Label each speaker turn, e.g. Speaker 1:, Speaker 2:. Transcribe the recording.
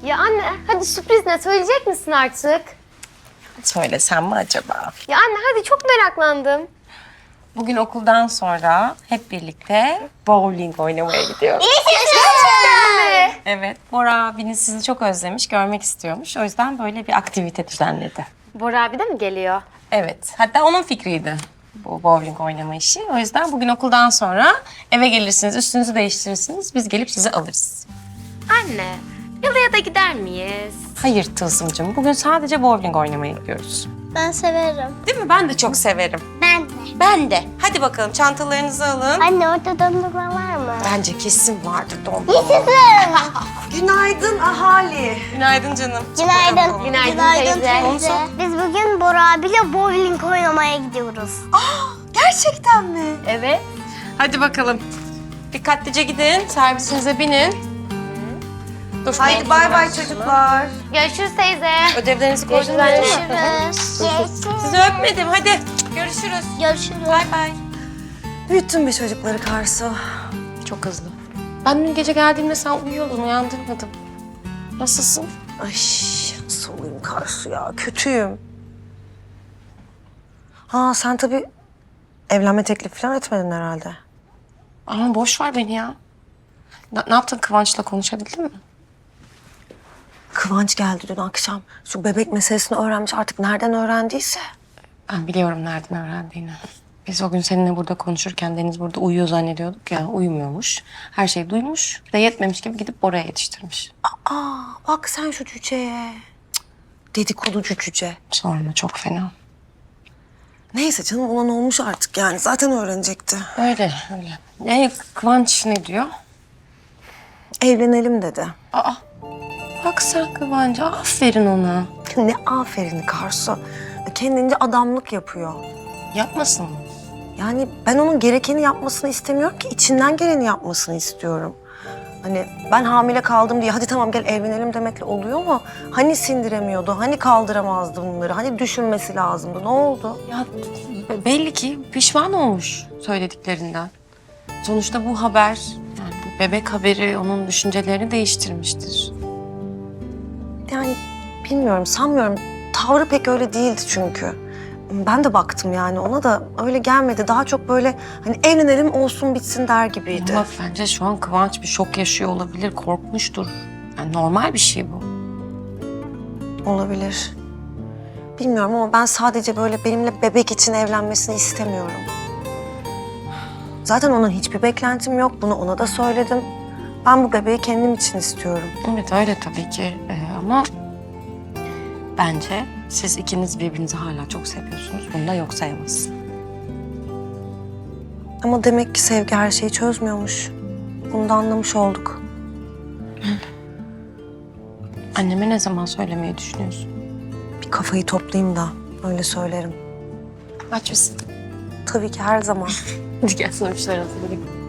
Speaker 1: Ya anne hadi sürpriz ne söyleyecek misin artık?
Speaker 2: Söylesem mi acaba?
Speaker 1: Ya anne hadi çok meraklandım.
Speaker 2: Bugün okuldan sonra hep birlikte bowling oynamaya gidiyoruz. Evet, Bora abiniz sizi çok özlemiş, görmek istiyormuş. O yüzden böyle bir aktivite düzenledi.
Speaker 1: Bora abi de mi geliyor?
Speaker 2: Evet, hatta onun fikriydi bu bowling oynama işi. O yüzden bugün okuldan sonra eve gelirsiniz, üstünüzü değiştirirsiniz. Biz gelip sizi alırız.
Speaker 1: Anne yalıya da gider miyiz?
Speaker 2: Hayır Tılsımcığım, bugün sadece bowling oynamaya gidiyoruz.
Speaker 3: Ben severim.
Speaker 2: Değil mi? Ben de çok severim.
Speaker 3: Ben de.
Speaker 2: Ben de. Hadi bakalım çantalarınızı alın.
Speaker 3: Anne orada dondurma var mı?
Speaker 2: Bence kesin vardır dondurma.
Speaker 3: Yaşasın.
Speaker 4: Günaydın ahali.
Speaker 2: Günaydın canım.
Speaker 3: Günaydın.
Speaker 1: Günaydın teyze.
Speaker 3: Biz bugün Bora abiyle bowling oynamaya gidiyoruz.
Speaker 4: Gerçekten mi?
Speaker 1: Evet.
Speaker 2: Hadi bakalım. Dikkatlice gidin, servisinize binin. Dur,
Speaker 4: Haydi bay bay çocuklar.
Speaker 1: Görüşürüz teyze.
Speaker 2: Ödevlerinizi koydunuz mu?
Speaker 3: Görüşürüz.
Speaker 2: Sizi öpmedim, hadi. Görüşürüz.
Speaker 3: Görüşürüz.
Speaker 2: Bay bay.
Speaker 4: Büyüttün be çocukları Karsu.
Speaker 2: Çok hızlı. Ben dün gece geldiğimde sen uyuyordun, uyandırmadım. Nasılsın?
Speaker 4: Ay nasıl olayım Karsu ya, kötüyüm. Ha sen tabii evlenme teklifi falan etmedin herhalde.
Speaker 2: Ama boş ver beni ya. Ne yaptın, Kıvanç'la konuşabildin mi?
Speaker 4: Kıvanç geldi dün akşam. Şu bebek meselesini öğrenmiş, artık nereden öğrendiyse.
Speaker 2: Ben biliyorum nereden öğrendiğini. Biz o gün seninle burada konuşurken Deniz burada uyuyor zannediyorduk ya. Uyumuyormuş. Her şeyi duymuş. Bir de yetmemiş gibi gidip Bora'ya yetiştirmiş.
Speaker 4: Aa bak sen şu cüceye. Cık, dedikoducu cüce.
Speaker 2: Sorma, çok fena.
Speaker 4: Neyse canım, ona ne olmuş artık yani, zaten öğrenecekti.
Speaker 2: Öyle, öyle. Kıvanç ne diyor?
Speaker 4: Evlenelim dedi.
Speaker 2: Aa, bak sen Kıvanç'a, aferin ona.
Speaker 4: Ne aferin Karsu. Kendince adamlık yapıyor.
Speaker 2: Yapmasın mı?
Speaker 4: Yani ben onun gerekeni yapmasını istemiyorum ki, içinden geleni yapmasını istiyorum. Hani ben hamile kaldım diye hadi tamam gel evlenelim demekle oluyor mu? Hani sindiremiyordu, hani kaldıramazdı bunları, hani düşünmesi lazımdı. Ne oldu?
Speaker 2: Ya belli ki pişman olmuş söylediklerinden. Sonuçta bu haber, yani bu bebek haberi onun düşüncelerini değiştirmiştir.
Speaker 4: Yani bilmiyorum, sanmıyorum. Tavrı pek öyle değildi çünkü. Ben de baktım yani, ona da öyle gelmedi. Daha çok böyle hani evlenelim olsun bitsin der gibiydi.
Speaker 2: Ama bence şu an Kıvanç bir şok yaşıyor olabilir, korkmuştur. Yani normal bir şey bu.
Speaker 4: Olabilir. Bilmiyorum ama ben sadece böyle benimle bebek için evlenmesini istemiyorum. Zaten onun hiçbir beklentim yok. Bunu ona da söyledim. Ben bu bebeği kendim için istiyorum.
Speaker 2: Evet öyle tabii ki ama bence siz ikiniz birbirinizi hala çok seviyorsunuz. Bunu da yok sayamazsın.
Speaker 4: Ama demek ki sevgi her şeyi çözmüyormuş. Bunu da anlamış olduk.
Speaker 2: Anneme ne zaman söylemeyi düşünüyorsun?
Speaker 4: Bir kafayı toplayayım da öyle söylerim.
Speaker 2: Aç mısın?
Speaker 4: Tabii ki her zaman.
Speaker 2: Hadi gel sana bir şeyler hazırlayayım.